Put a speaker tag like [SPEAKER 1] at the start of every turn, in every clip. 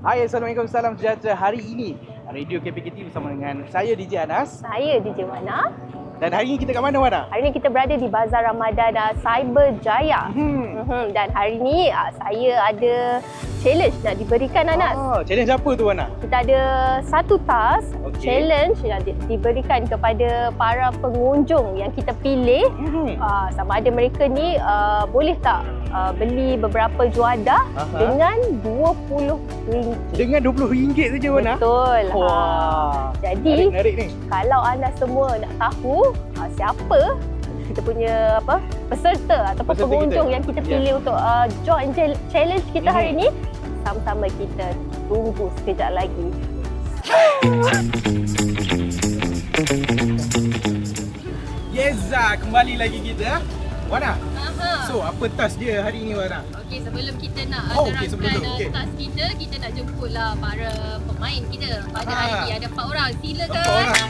[SPEAKER 1] Hai, Assalamualaikum, salam sejahtera. Hari ini Radio KPKT bersama dengan saya DJ Anas.
[SPEAKER 2] Saya DJ Wana.
[SPEAKER 1] Dan hari ini kita kat mana, Wana?
[SPEAKER 2] Hari ini kita berada di Bazar Ramadan Cyberjaya. Dan hari ini saya ada challenge nak diberikan Anas.
[SPEAKER 1] Challenge apa tu, Wana?
[SPEAKER 2] Kita ada satu task challenge yang diberikan kepada para pengunjung yang kita pilih. Sama ada mereka ni boleh tak beli beberapa juadah dengan RM20.
[SPEAKER 1] Dengan RM20 saja, Wana?
[SPEAKER 2] Betul.
[SPEAKER 1] Wah.
[SPEAKER 2] Jadi
[SPEAKER 1] menarik ni.
[SPEAKER 2] Kalau anda semua nak tahu siapa kita punya peserta ataupun pengunjung yang kita pilih untuk join challenge kita hari ini, sama-sama kita tunggu sekejap lagi.
[SPEAKER 1] Yes, kembali lagi kita. Wana, so apa task dia hari ini, Wana?
[SPEAKER 3] Okey, sebelum kita nak
[SPEAKER 1] terangkan
[SPEAKER 3] task kita nak jemputlah para pemain kita pada hari ini. Ada 4 orang, silakan.
[SPEAKER 1] 4 orang.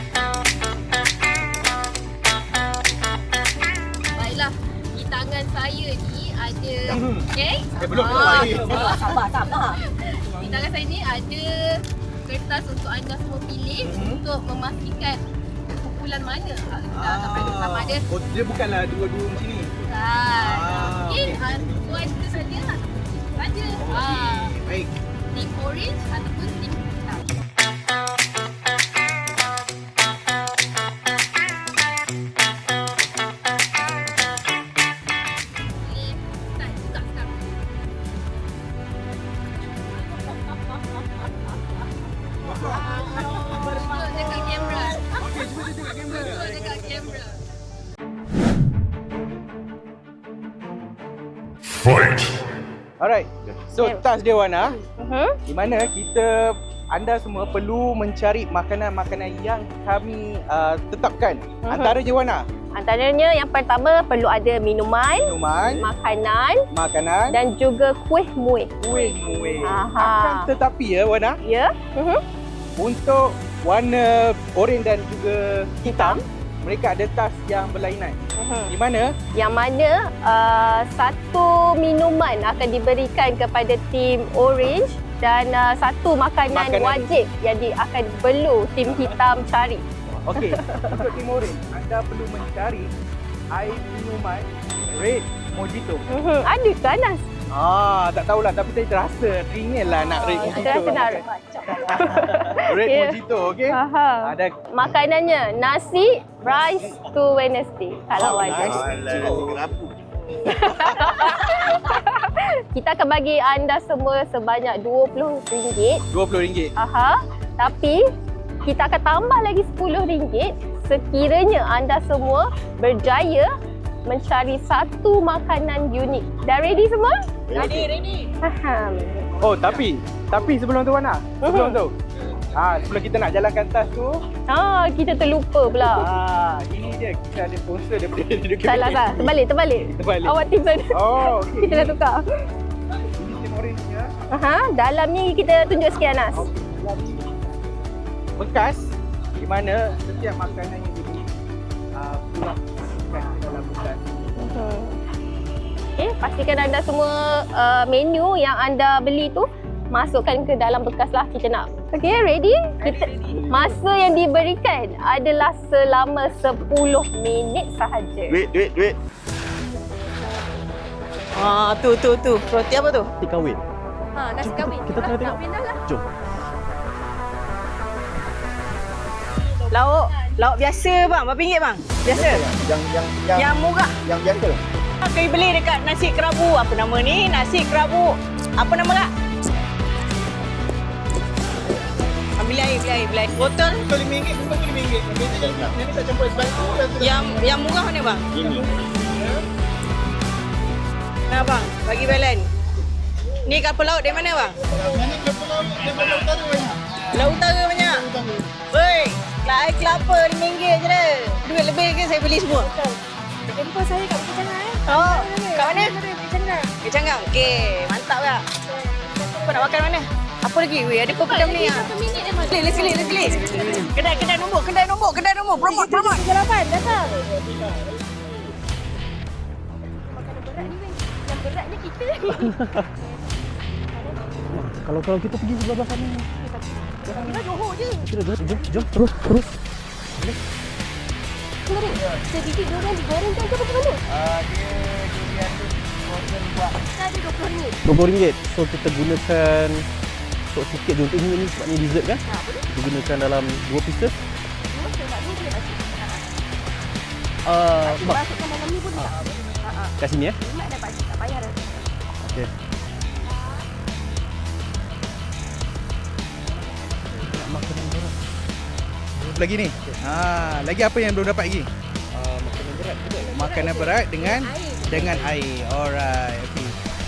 [SPEAKER 3] Baiklah, di tangan saya ni ada
[SPEAKER 1] Belum.
[SPEAKER 2] Sabar.
[SPEAKER 3] Di tangan saya ni ada kertas untuk anda semua pilih untuk memastikan kumpulan mana sama ada.
[SPEAKER 1] Dia bukanlah dua-dua macam ni.
[SPEAKER 3] Mungkin tuan itu saja lah. Saja.
[SPEAKER 1] Baik.
[SPEAKER 3] Tim orange ataupun tim hitam.
[SPEAKER 1] Alright. So task dia, Wana, di mana anda semua perlu mencari makanan-makanan yang kami tetapkan. Antaranya, Wana?
[SPEAKER 2] Antaranya yang pertama perlu ada minuman, makanan dan juga kuih muih.
[SPEAKER 1] Akan tetapi Wana,
[SPEAKER 2] Ya.
[SPEAKER 1] untuk warna oranye dan juga hitam, mereka ada task yang berlainan. Di mana?
[SPEAKER 2] Yang mana satu minuman akan diberikan kepada tim orange dan satu makanan wajib yang akan perlu tim hitam cari.
[SPEAKER 1] Okey, untuk tim orange, anda perlu mencari air minuman red mojito.
[SPEAKER 2] Ada ke, Anas?
[SPEAKER 1] Tak tahulah, tapi saya terasa teringin lah nak red mojito.
[SPEAKER 2] Terasa nak
[SPEAKER 1] red mojito, okey? Ada
[SPEAKER 2] makanannya nasi rice to Wednesday kalau ada. Kita akan bagi anda semua sebanyak RM20.
[SPEAKER 1] RM20.
[SPEAKER 2] Tapi kita akan tambah lagi RM10 sekiranya anda semua berjaya mencari satu makanan unik. Dah ready semua?
[SPEAKER 3] Ready.
[SPEAKER 1] Tapi sebelum tu, Wana, sebelum kita nak jalankan task tu,
[SPEAKER 2] kita terlupa pula.
[SPEAKER 1] ini dia, kita ada sponsor daripada Radio KPKT.
[SPEAKER 2] Salah. Terbalik. Awak tim sana.
[SPEAKER 1] Okey.
[SPEAKER 2] Kita dah tukar.
[SPEAKER 1] Ini tim orange ya.
[SPEAKER 2] Dalam ni kita tunjuk sikit, Anas.
[SPEAKER 1] Bekas di mana setiap makanan yang dibeli pulang dalam bekas.
[SPEAKER 2] Pastikan anda semua menu yang anda beli tu masukkan ke dalam bekas lah kita nak. Okey, ready? Masa yang diberikan adalah selama 10 minit sahaja.
[SPEAKER 1] Duit.
[SPEAKER 4] Tu. Roti apa tu?
[SPEAKER 1] Roti kahwin.
[SPEAKER 2] Nasi kahwin.
[SPEAKER 4] Kita tengok.
[SPEAKER 2] Kahwin dah lah.
[SPEAKER 1] Jom.
[SPEAKER 4] Lauk biasa bang, berapa ringgit bang? Biasa. Yang murah.
[SPEAKER 1] Yang biasa.
[SPEAKER 4] Kau beli dekat nasi kerabu. Apa nama ni? Nasi kerabu. Apa nama tak? Beli air. Botol
[SPEAKER 1] RM5, bukan RM5. Ini tak campur es batu.
[SPEAKER 4] yang murah mana bang?
[SPEAKER 1] Ini.
[SPEAKER 4] Nah bang, bagi balance. Ni kapal laut dari mana bang?
[SPEAKER 1] Mana kapal laut daripada utara banyak.
[SPEAKER 4] Laut utara banyak. Woi, air kelapa RM5 je dah. Duit lebih ke saya beli semua?
[SPEAKER 3] Jumpa saya kat Bukit Canggah.
[SPEAKER 4] Kat mana?
[SPEAKER 3] Bukit Canggah.
[SPEAKER 4] Bukit Canggah. Okey, mantap lah. Apa nak makan mana? Apa lagi? Weh, ada pepedam ni ah.
[SPEAKER 3] 1 minit dah masuk.
[SPEAKER 4] Let's klik. Kedai nombor. Promote.
[SPEAKER 3] Jalapan, datang. Makanan berat ni, yang berat ni kita.
[SPEAKER 5] Kalau kita pergi sebelah sana.
[SPEAKER 2] Kita Johor je.
[SPEAKER 5] Jom terus.
[SPEAKER 2] Kenapa? Sedikit durian digorengkan ke bagaimana?
[SPEAKER 1] Dia durian tu frozen buat.
[SPEAKER 2] Kita ada RM20.
[SPEAKER 5] RM20. So kita gunakan untuk sikit je untuk ini sebab ni dessert kan?
[SPEAKER 2] Boleh.
[SPEAKER 5] Digunakan dalam 2 pieces.
[SPEAKER 2] Cuma sebab ni boleh masuk.
[SPEAKER 5] Mak
[SPEAKER 2] Masukkan dalam ni pun tak.
[SPEAKER 5] kat sini eh.
[SPEAKER 2] Mak dapat tak payah dah.
[SPEAKER 5] Okey. Makanan berat.
[SPEAKER 1] Lagi ni. Lagi apa yang belum dapat lagi?
[SPEAKER 5] Makanan berat juga.
[SPEAKER 1] Makanan berat dengan air. Alright. Okay.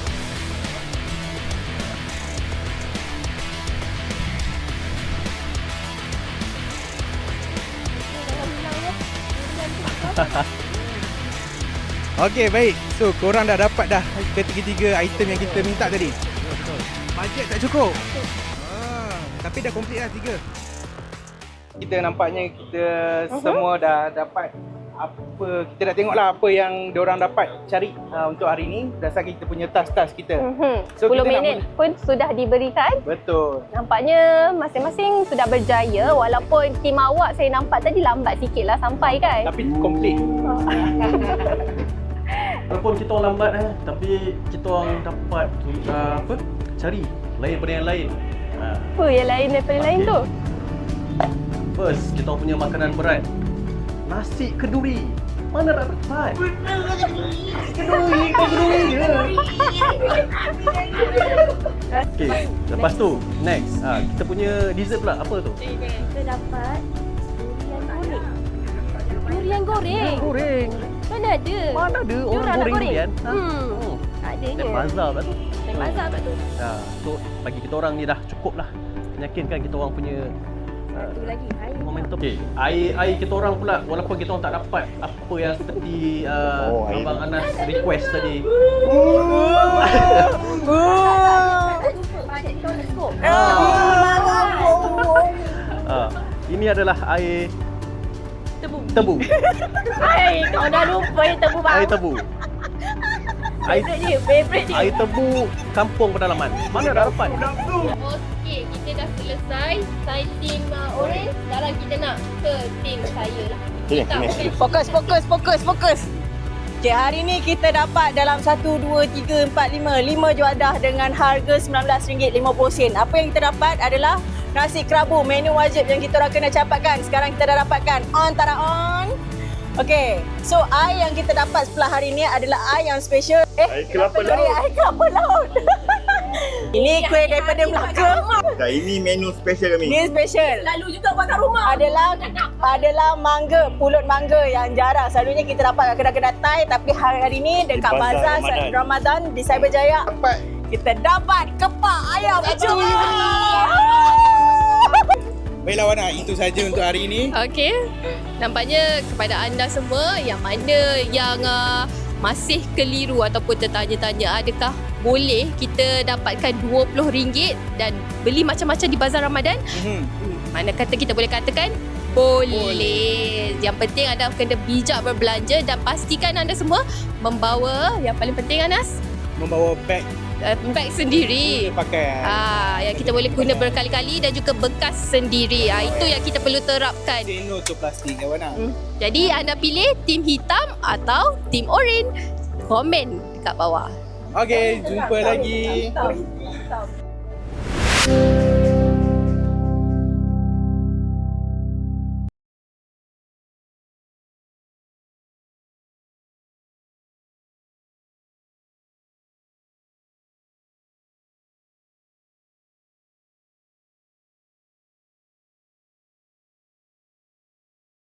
[SPEAKER 1] Okey, baik. So, korang dah dapat dah ketiga-tiga item yang kita minta tadi. Bajet tak cukup? Tapi dah complete dah 3. Kita nampaknya kita semua dah dapat apa, kita dah tengoklah apa yang diorang dapat cari untuk hari ni berdasarkan kita punya tas-tas kita. So,
[SPEAKER 2] 10
[SPEAKER 1] kita nak
[SPEAKER 2] minit pun sudah diberikan.
[SPEAKER 1] Betul.
[SPEAKER 2] Nampaknya masing-masing sudah berjaya walaupun tim awak saya nampak tadi lambat sikit lah sampai kan.
[SPEAKER 1] Tapi complete.
[SPEAKER 5] Walaupun kita orang lambat tapi kita orang dapat cari lain pada yang lain.
[SPEAKER 2] Apa yang lain daripada lain tu?
[SPEAKER 5] First, kita orang punya makanan berat. Nasi keduri. Mana tak dapat? Keduri je. Okey, lepas tu next, kita punya dessert pula apa tu?
[SPEAKER 2] Kita dapat durian goreng.
[SPEAKER 5] Goreng.
[SPEAKER 2] Mana ada?
[SPEAKER 5] Mana ada orang
[SPEAKER 2] Diorang nak
[SPEAKER 5] goreng
[SPEAKER 2] goreng?
[SPEAKER 5] durian?
[SPEAKER 2] Adanya.
[SPEAKER 5] Naik bazar pula tu.
[SPEAKER 2] Naik bazar kat tu.
[SPEAKER 5] So bagi kita orang ni dah cukup lah meyakinkan kita orang punya
[SPEAKER 2] Satu lagi air.
[SPEAKER 5] momentum. Okay, air kita orang pula walaupun kita orang tak dapat apa yang seperti Abang Anas request tadi. Ini adalah air tebu.
[SPEAKER 2] Kau dah lupa yang tebu bang.
[SPEAKER 5] Air tebu.
[SPEAKER 2] Favorite dia.
[SPEAKER 5] Air tebu kampung pedalaman. Mana dah dapat?
[SPEAKER 3] Okey, kita dah selesai. Saya tim orange. Sekarang kita nak ke tim saya lah.
[SPEAKER 4] Fokus. Okay, hari ni kita dapat dalam 1, 2, 3, 4, 5 juadah dengan harga RM19.50. Apa yang kita dapat adalah nasi kerabu, menu wajib yang kita orang kena capatkan. Sekarang kita dah dapatkan. On. Okay, so air yang kita dapat sebelah hari ni adalah air yang special.
[SPEAKER 6] Air kelapa laut.
[SPEAKER 4] Air kelapa laut. Ini kuih daripada Melaka.
[SPEAKER 6] Dah, ini menu special kami.
[SPEAKER 4] Ini special.
[SPEAKER 3] Lalu juga buat kat rumah.
[SPEAKER 4] Adalah mangga, pulut mangga yang jarang. Selalunya kita dapat kat kedai-kedai Thai, tapi hari ni dekat
[SPEAKER 6] Di
[SPEAKER 4] Bazar
[SPEAKER 6] Bazar
[SPEAKER 4] Ramadan di Cyberjaya
[SPEAKER 1] Dapat.
[SPEAKER 4] kita dapat kepak ayam kecil.
[SPEAKER 1] Baiklah Wana, itu saja untuk hari ini.
[SPEAKER 3] Okey. Nampaknya kepada anda semua yang mana yang masih keliru ataupun tertanya-tanya adakah boleh kita dapatkan RM20 dan beli macam-macam di Bazar Ramadan? Mana kata kita boleh katakan boleh. Yang penting anda kena bijak berbelanja dan pastikan anda semua membawa yang paling penting Anas,
[SPEAKER 1] Membawa beg
[SPEAKER 3] beg sendiri.
[SPEAKER 1] pakai.
[SPEAKER 3] Yang kita boleh guna berkali-kali dan juga bekas sendiri. Itu yang kita perlu terapkan.
[SPEAKER 1] Say no to plastik ya Wana.
[SPEAKER 3] Jadi anda pilih tim hitam atau tim orange? Komen dekat bawah.
[SPEAKER 1] Okey, jumpa lagi.